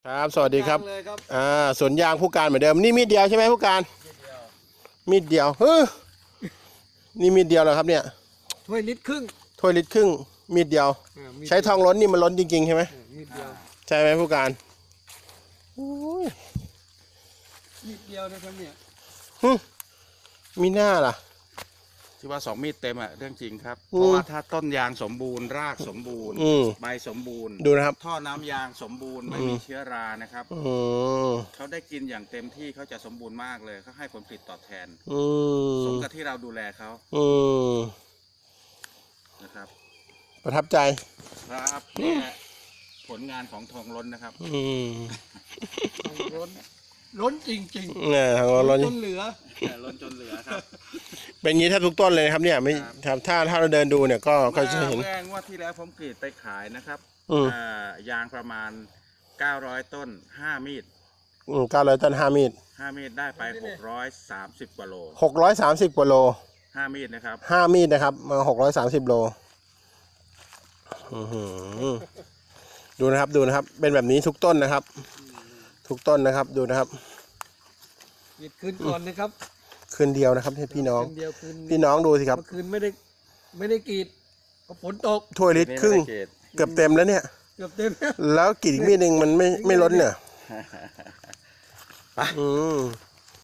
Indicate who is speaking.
Speaker 1: ครับสวัสดีครับ
Speaker 2: เลยครับ
Speaker 1: สวนยางผู้การเหมือนเดิมนี่มีดเดียวใช่ไหมผู้การมีดเดียวนี่มีดเดียวเหรอครับเนี่ย
Speaker 2: ถ้วยลิตรครึ่ง
Speaker 1: ถ้วยลิตรครึ่งมีดเดียว
Speaker 2: มีด
Speaker 1: ใช้ทองล้นนี่มันล้นจริงๆใช่ไหม
Speaker 2: มีดเดียว
Speaker 1: ใช่ไหมผู้การโอ้ย
Speaker 2: มีดเดียวนะครับเนี่ย
Speaker 1: มีหน้าล่ะ
Speaker 3: ที่ว่า2 มีดเต็มอะเรื่องจริงครับ
Speaker 1: อืม
Speaker 3: เพราะว่าถ้าต้นยางสมบูรณ์รากสมบูรณ์
Speaker 1: อืม
Speaker 3: ใบสมบูรณ์
Speaker 1: ดูนะครับ
Speaker 3: ท่อน้ำยางสมบูรณ์ไม่มีเชื้อรานะครับ
Speaker 1: อืม
Speaker 3: เขาได้กินอย่างเต็มที่เขาจะสมบูรณ์มากเลยเขาให้ผลผลิตตอบแทน
Speaker 1: อื
Speaker 3: สม
Speaker 1: ม
Speaker 3: กับที่เราดูแลเขา
Speaker 1: อืม
Speaker 3: นะครับ
Speaker 1: ประทับใจ
Speaker 3: ครับนี่แหละผลงานของทองล้นนะครับ
Speaker 1: อืม
Speaker 2: ล้นจริง
Speaker 1: เนี่ยทาง
Speaker 2: ๆ
Speaker 1: ล้น
Speaker 2: จนเหลือ
Speaker 3: ล้นจนเหลือครับ
Speaker 1: เป็นอย่างนี้แทบทุกต้นเลยนะครับเนี่ยไม่
Speaker 3: ครับ
Speaker 1: ถ้าเราเดินดูเนี่ยก็จะเห็น
Speaker 3: เมื่องวดที่แล้วผมกรีดไปขายนะครับ
Speaker 1: อืม
Speaker 3: ยางประมาณ900 ต้น5 มีด
Speaker 1: 900 ต้น 5 มีด
Speaker 3: 5 มีดได้ไป630 กว่าโล
Speaker 1: 630 กว่าโล
Speaker 3: 5 มีดนะครับ
Speaker 1: 5 มีดนะครับมา630 โลอื้อหือดูนะครับดูนะครับ เป็นแบบนี้ทุกต้นนะครับ ทุกต้นนะครับดูนะครับ
Speaker 2: หยิบคืนก่อนนะครับ
Speaker 1: คืนเดียวนะครับให้พี่น้อง
Speaker 2: คืนเดียวคืน
Speaker 1: พี่น้องดูสิครับ
Speaker 2: เมื่อคืนไม่ได้กรีดเพราะฝนตก
Speaker 1: ถ้วยลิตรครึ่งเกือบเต็มแล้วเนี่ย
Speaker 2: เกือบเต็ม
Speaker 1: แล้วกรีดอีกมีดหนึ่งมันไม่ล้นเนี่ยอืม